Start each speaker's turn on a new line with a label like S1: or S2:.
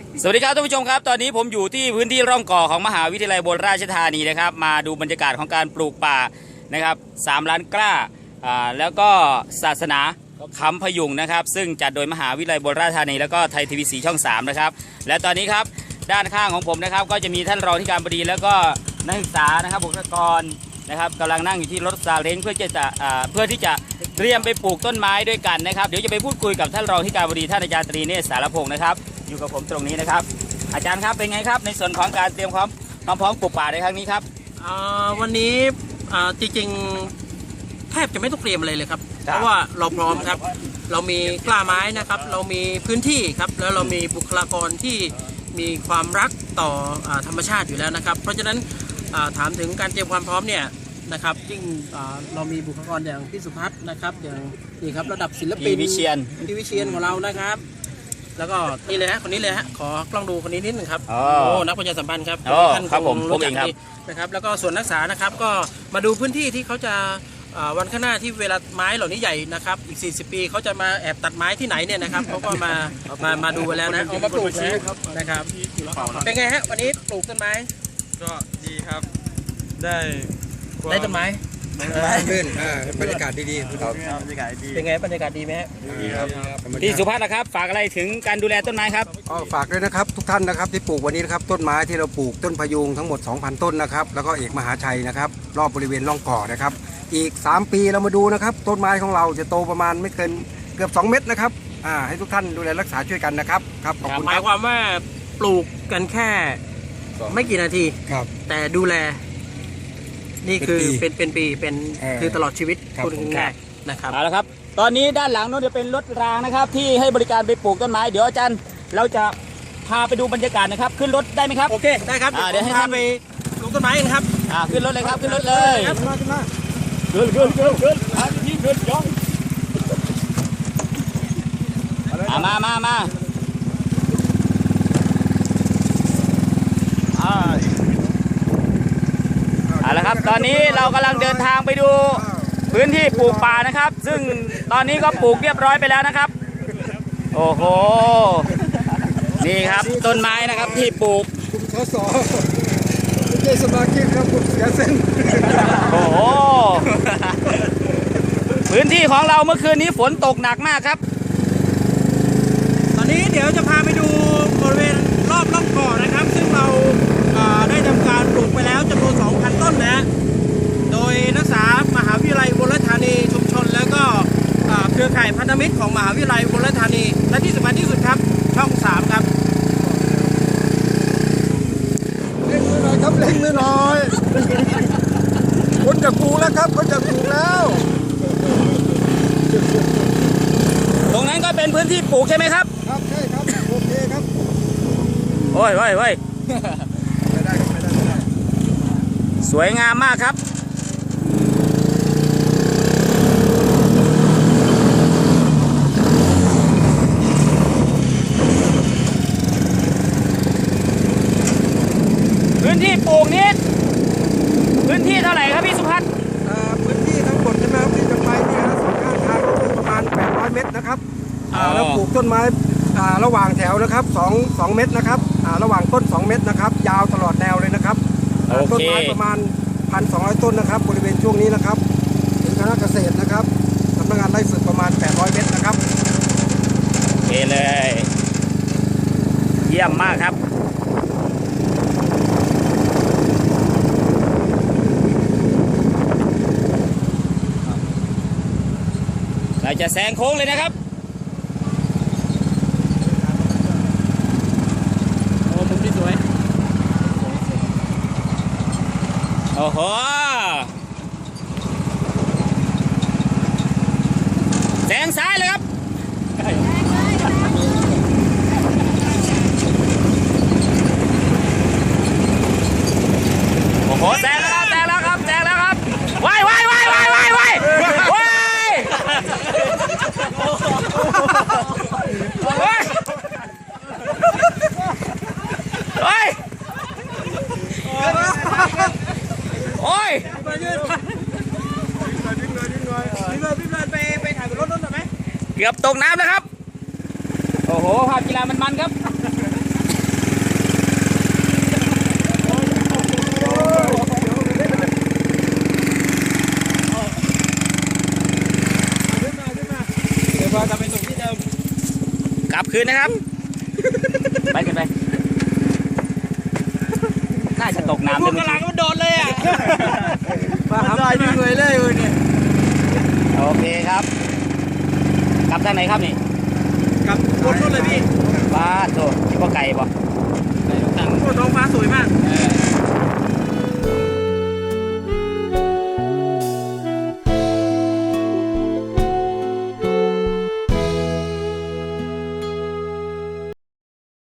S1: สวัสดีครับท่านผู้ชมครับตอนนี้ผมอยู่ที่พื้นที่ร่องก่อของมหาวิทยาลัยอุบลราชธานีนะครับมาดูบรรยากาศของการปลูกป่านะครับ3 ล้านกล้าแล้วก็ศาสนาคำพยุงนะครับซึ่งจัดโดยมหาวิทยาลัยอุบลราชธานีแล้วก็ไทยทีวีสีช่อง3นะครับและตอนนี้ครับด้านข้างของผมนะครับก็จะมีท่านรองที่การบดีแล้วก็นักศึกษานะครับบุคลากรนะครับกำลังนั่งอยู่ที่รถซาเล้งเพื่อที่จะเตรียมไปปลูกต้นไม้ด้วยกันนะครับเดี๋ยวจะไปพูดคุยกับท่านรองที่การบดีท่านอาจารย์ตรีเนศสารพงศ์นะครับอยู่กับผมตรงนี้นะครับอาจารย์ครับเป็นไงครับในส่วนของการเตรียมความพร้อมปลูกป่าในครั้งนี้ครับ
S2: วันนี้จริงๆแทบจะไม่ต้องเตรียมอะไรเลยครับเพราะว่าเราพร้อมครับเรามีกล้าไม้นะครับเรามีพื้นที่ครับแล้วเรามีบุคลากรที่มีความรักต่อธรรมชาติอยู่แล้วนะครับเพราะฉะนั้นถามถึงการเตรียมความพร้อมเนี่ยนะครับยิ่งเรามีบุคลากรอย่างพี่สุพัฒน์นะครับอย่างนี่ครับระดับศิลปิน
S1: พี่วิเชียน
S2: ของเรานะครับแล้วก็นี่เลยฮะคนนี้เลยฮะขอกล้องดูคนนี้นิดหนึ่งครับนักประชาสัมพันธ์ครับ
S1: ท่านครับผมเองครับ
S2: นะครับแล้วก็ส่วนนักศึกษานะครับก็มาดูพื้นที่ที่เขาจะวันข้างหน้าที่เวลาไม้เหล่านี้ใหญ่นะครับอีก40 ปีเขาจะมาแอบตัดไม้ที่ไหนเนี่ยนะครับเขาก็มาดูแล้วนะเอามาปลูกนะครับเป็นไงฮะวันนี้ปลูกต้นไม้
S3: ก็ดีครับได้
S2: ต้นไม้
S3: ขึ้นบรรยากาศดีๆครับบรรยากาศดี
S2: เป็นไงบรรยากาศดีไหม
S3: ดีครับ
S1: พี่สุภัทรนะครับฝากอะไรถึงการดูแลต้นไม้ครับ
S3: ฝากด้วยนะครับทุกท่านนะครับที่ปลูกวันนี้นะครับต้นไม้ที่เราปลูกต้นพยุงทั้งหมด 2,000 ต้นนะครับแล้วก็เอกมหาชัยนะครับรอบบริเวณร่องก่อนะครับอีก3 ปีเรามาดูนะครับต้นไม้ของเราจะโตประมาณไม่เกินเกือบ2 เมตรนะครับให้ทุกท่านดูแลรักษาช่วยกันนะครับครับขอบคุณ
S2: หมายความว่าปลูกกันแค่ไม่กี่นาที
S3: ครับ
S2: แต่ดูแลนี่คือเป็นปีเป็นคือตลอดชีวิตพูดง่ายๆนะครับ
S1: เอาละครับตอนนี้ด้านหลังนู้นจะเป็นรถรางนะครับที่ให้บริการไปปลูกต้นไม้เดี๋ยวอาจารย์เราจะพาไปดูบรรยากาศนะครับขึ้นรถได้ไหมครับ
S2: โอเคได้ครับ
S1: เดี๋ยวให้ท่าน
S2: ไปปลูกต้นไม้กันครับ
S1: ขึ้นรถเลยครับขึ้นรถเลยขึ้นย่องมาเอาละครับตอนนี้เรากำลังเดินทางไปดูพื้นที่ปลูกป่านะครับซึ่งตอนนี้ก็ปลูกเรียบร้อยไปแล้วนะครับโอ้โหนี่ครับต้นไม้นะครับที่ปลูก
S3: สสไม่ใช่สมาชิกครับผมเสียเส้น
S1: โอ้โหพื้นที่ของเราเมื่อคืนนี้ฝนตกหนักมากครับ
S2: ตอนนี้เดี๋ยวจะพาไปดูบริเวณรอบร่องก่อนะครับซึ่งเราได้ทำการปลูกไปแล้วจำนวน 2,000 ต้นนะโดยนักศึกษามหาวิทยาลัยอุบลราชธานีชุมชนแล้วก็เครือข่ายพันธมิตรของมหาวิทยาลัยอุบลราชธานีและที่สำคัญที่สุดครับช่อง3ครับ
S3: เล่นมือหน่อยครับเล่นมือหน่อยคนจะปลูกแล้วครับคนจะปลูกแล้ว
S1: ตรงนั้นก็เป็นพื้นที่ปลูกใช่ไหมครับ
S3: ครับใช่ครับโอเคครับ
S1: โอ้ยไม่ได้สวยงามมากครับพื้นที่ปลูกนี้พื้นที่เท่าไหร่ครับพี่สุพัฒน์
S3: พื้นที่ทั้งหมดใช่ไหมครับที่จะไปเนี่ยสองข้างทางก็คือประมาณ800 เมตรนะครับแล้วปลูกต้นไม้ระหว่างแถวนะครับ2 เมตรนะครับระหว่างต้น2 เมตรนะครับยาวตลอดแนวเลยนะครับต้นไม้ประมาณ 1,200 ต้นนะครับบริเวณช่วงนี้นะครับถึงคณะเกษตรนะครับสำนักงานไร่ฝึกประมาณ800 เมตรนะครับ
S1: โอเคเลยเยี่ยมมากครับเราจะแซงโค้งเลยนะครับ
S2: โอ้มุมที่สวย
S1: โอ้โหแซงซ้ายเลยครับโอ้โหแซงแล้วครับว้ายโอ้ย
S2: พี่ไปถ่ายบนรถนั่นหน่อยไหม
S1: เกือบตกน้ำแล้วครับโอ้โหภาพกีฬามันครับคืนนะครับ ไปกันไป น่าจะตกน้ำ
S2: พว
S1: เลย
S2: กกำลังมันโดดเลยอ่ะ
S3: มาหาไปดึงเลยเนี่ย
S1: โอเคครับ กลับทางไหนครับนี่
S2: กับคนนู้นเลยพี่
S1: บ้านโถคิดว่าไกลป่ะ